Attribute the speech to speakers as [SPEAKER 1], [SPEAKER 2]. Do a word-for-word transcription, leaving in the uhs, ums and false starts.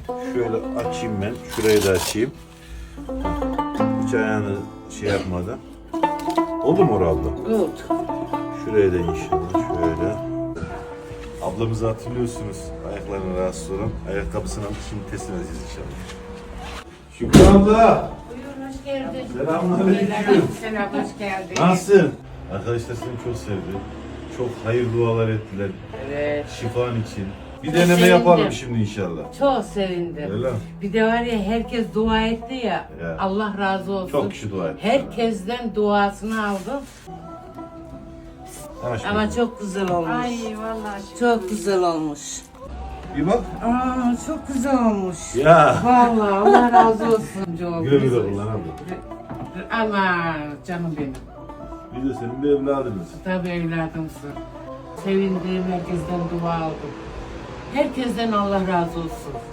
[SPEAKER 1] Şöyle açayım ben. Şurayı da açayım. Hiç ayağını şey yapmadan. Oldu mu orada?
[SPEAKER 2] Oldu.
[SPEAKER 1] Şuraya da inşallah şöyle. Ablamızı hatırlıyorsunuz. Ayaklarına rahatsız olan. Ayakkabısını alıp şimdi teslim edeceğiz inşallah. Şükran abla.
[SPEAKER 2] Buyurun, hoş geldin.
[SPEAKER 1] Selamünaleyküm.
[SPEAKER 2] Selam, hoş geldin.
[SPEAKER 1] Nasılsın? Arkadaşlar seni çok sevdi. Çok hayır dualar ettiler.
[SPEAKER 2] Evet.
[SPEAKER 1] Şifan için. Bir
[SPEAKER 2] Çok
[SPEAKER 1] deneme
[SPEAKER 2] sevindim.
[SPEAKER 1] yapalım şimdi inşallah.
[SPEAKER 2] Çok sevindim.
[SPEAKER 1] Öyle mi?
[SPEAKER 2] Bir de var ya, herkes dua etti ya.
[SPEAKER 1] Ya.
[SPEAKER 2] Allah razı olsun.
[SPEAKER 1] Çok kişi dua etti.
[SPEAKER 2] Herkesten duasını aldım.
[SPEAKER 1] Ha, şimdi.
[SPEAKER 2] Ama çok güzel olmuş.
[SPEAKER 3] Ay vallahi
[SPEAKER 2] Çok güzel olmuş.
[SPEAKER 1] Bir bak.
[SPEAKER 2] Aa, çok güzel olmuş.
[SPEAKER 1] Ya.
[SPEAKER 2] Vallahi Allah razı olsun. Çok
[SPEAKER 1] Güle güle
[SPEAKER 2] güzel.
[SPEAKER 1] kullan abla.
[SPEAKER 2] Ama canım benim.
[SPEAKER 1] Bir de senin bir evladınız.
[SPEAKER 2] Tabii evladımsın. Sevindiğim herkesten dua aldım. Herkesten Allah razı olsun.